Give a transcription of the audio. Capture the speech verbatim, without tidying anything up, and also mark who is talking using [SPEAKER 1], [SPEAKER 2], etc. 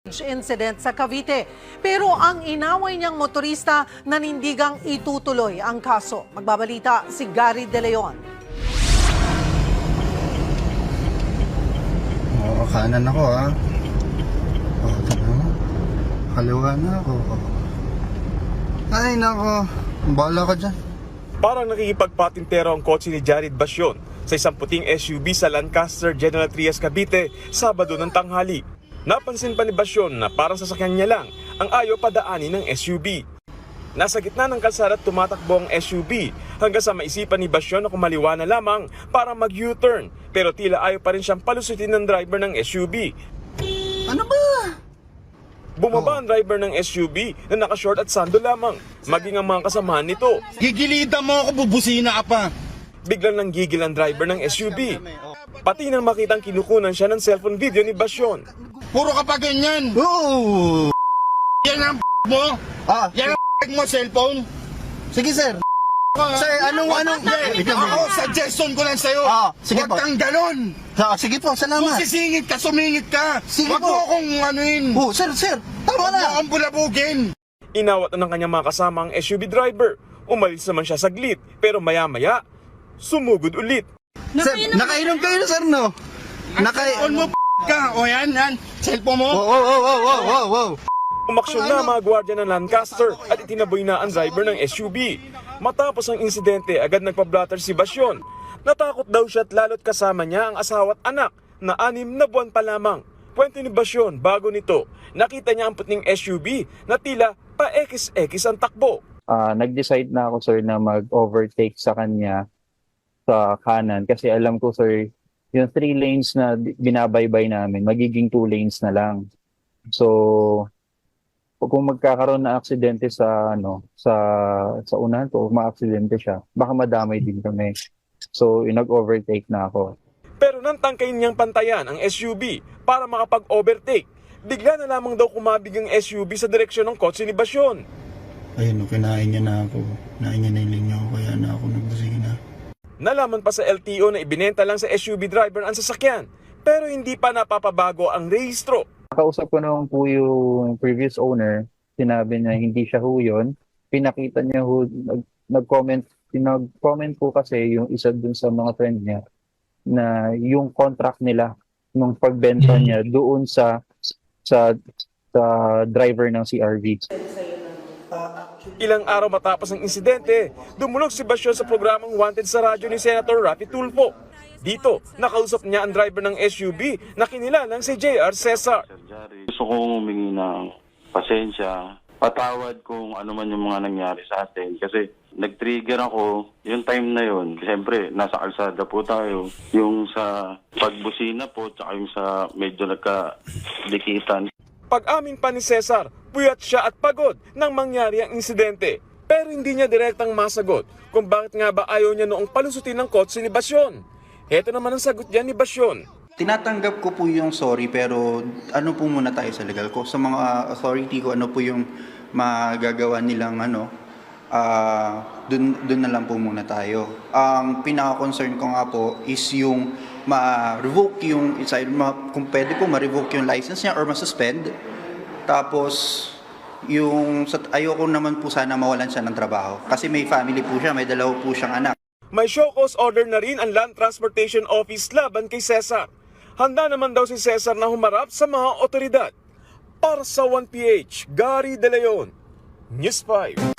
[SPEAKER 1] incident sa Cavite. Pero ang inaway niyang motorista nanindigang itutuloy ang kaso. Magbabalita si Gary De Leon.
[SPEAKER 2] Oo, kanan ako ha. Oo, tama. Kaliwa na ako. Ay, nako. Bahala ka dyan.
[SPEAKER 3] Parang nakikipagpatintero ang kotse ni Jared Basyon sa isang puting S U V sa Lancaster General Trias, Cavite, Sabado ng tanghali. Napansin pa ni Basyon na parang sasakyan niya lang ang ayaw padaanin ng S U V. Nasa gitna ng kalsada at tumatakbo ang S U V hanggang sa maisipan ni Basyon na kumaliwa na lamang para mag-U-turn, pero tila ayaw pa rin siyang palusutin ng driver ng S U V.
[SPEAKER 2] Ano ba?
[SPEAKER 3] Bumaba ang driver ng S U V na naka-short at sando lamang, maging ang mga kasamahan nito.
[SPEAKER 2] Gigilitan mo ako, bubusina ka pa.
[SPEAKER 3] Biglang nanggigil ang driver ng S U V. Pati nang makitang kinukunan siya ng cellphone video ni Basyon.
[SPEAKER 2] Puro ka pa ganyan. Oo. Yan ang mo. Ah. Yan ang mo cellphone. Sige, sir. Sir, anong, anong... Ako, suggestion ko lang sa'yo. Ah, sige po. Huwag kang ganon. Ah, sige po, salamat. Kung sisingit ka, sumingit ka. Sige po. Huwag mo akong anuin. Oh, sir, sir. Tama na. Huwag mo akong bulabugin.
[SPEAKER 3] Inawat na ng kanyang mga kasama ang S U V driver. Umalis naman siya saglit, pero maya-maya, sumugod ulit.
[SPEAKER 2] Sir, nakainom kayo na, sir, no? Nakainom mo, p*** ka. O yan, yan. Cellphone mo. Wow, wow, wow, wow, wow, wow.
[SPEAKER 3] Umaksyon na ang mga gwardiya ng Lancaster at itinaboy na ang driver ng S U V. Matapos ang insidente, agad nagpa-blatter si Basyon. Natakot daw siya at lalo't kasama niya ang asawa at anak na anim na buwan pa lamang. Kwento ni Basyon, bago nito, nakita niya ang puting S U V na tila pa-ekis-ekis ang takbo.
[SPEAKER 4] Uh, nag-decide na ako, sir, na mag-overtake sa kanya sa kanan kasi alam ko, sir, yung three lanes na binabaybay namin, magiging two lanes na lang. So, kung magkakaroon na aksidente sa ano sa sa unahan ko, ma-aksidente siya, baka madamay din kami. So, nag-overtake na ako.
[SPEAKER 3] Pero nang tangkayin niyang pantayan ang S U V para makapag-overtake, bigla na lamang daw kumabig ang S U V sa direksyon ng kotse ni Basyon.
[SPEAKER 2] Ayun, no, kinain niya na ako. Kinain niya na yung linya ko, kaya na ako nagbusina.
[SPEAKER 3] Nalaman pa sa L T O na ibinenta lang sa S U V driver ang sasakyan, pero hindi pa napapabago ang rehistro.
[SPEAKER 4] Nakausap ko naman po yung previous owner, sinabi niya hindi siya ho yun. Pinakita niya ho, nag, nag-comment, nag-comment po kasi yung isa dun sa mga friend niya na yung contract nila nung pagbenta niya doon sa sa sa driver ng C R V.
[SPEAKER 3] Ilang araw matapos ang insidente, dumulog si Basyon sa programang Wanted sa radyo ni Senator Raffy Tulfo. Dito, nakausap niya ang driver ng S U V na kinilalang si J R Cesar.
[SPEAKER 5] Gusto kong humingi ng pasensya, patawad kung ano man yung mga nangyari sa atin. Kasi nag-trigger ako yung time na yun. Siyempre, nasa kalsada po tayo. Yung sa pagbusina po, tsaka yung sa medyo nagkadikitan.
[SPEAKER 3] Pag-amin pa ni Cesar, puyat siya at pagod nang mangyari ang insidente. Pero hindi niya direktang masagot kung bakit nga ba ayaw niya noong palusutin ng kotse ni Basyon. Heto naman ang sagot niya ni Basyon.
[SPEAKER 6] Tinatanggap ko po yung sorry, pero ano po muna tayo sa legal ko. Sa mga authority ko, ano po yung magagawa nilang ano, uh, dun, dun na lang po muna tayo. Ang pinaka-concern ko nga po is yung ma-revoke yung, ma, kung pwede po ma-revoke yung license niya or ma-suspend. Tapos, yung, ayoko naman po sana mawalan siya ng trabaho. Kasi may family po siya, may dalawa po siyang anak.
[SPEAKER 3] May show cause order na rin ang Land Transportation Office laban kay Cesar. Handa naman daw si Cesar na humarap sa mga otoridad. Para sa one P H, Gary De Leon, News five.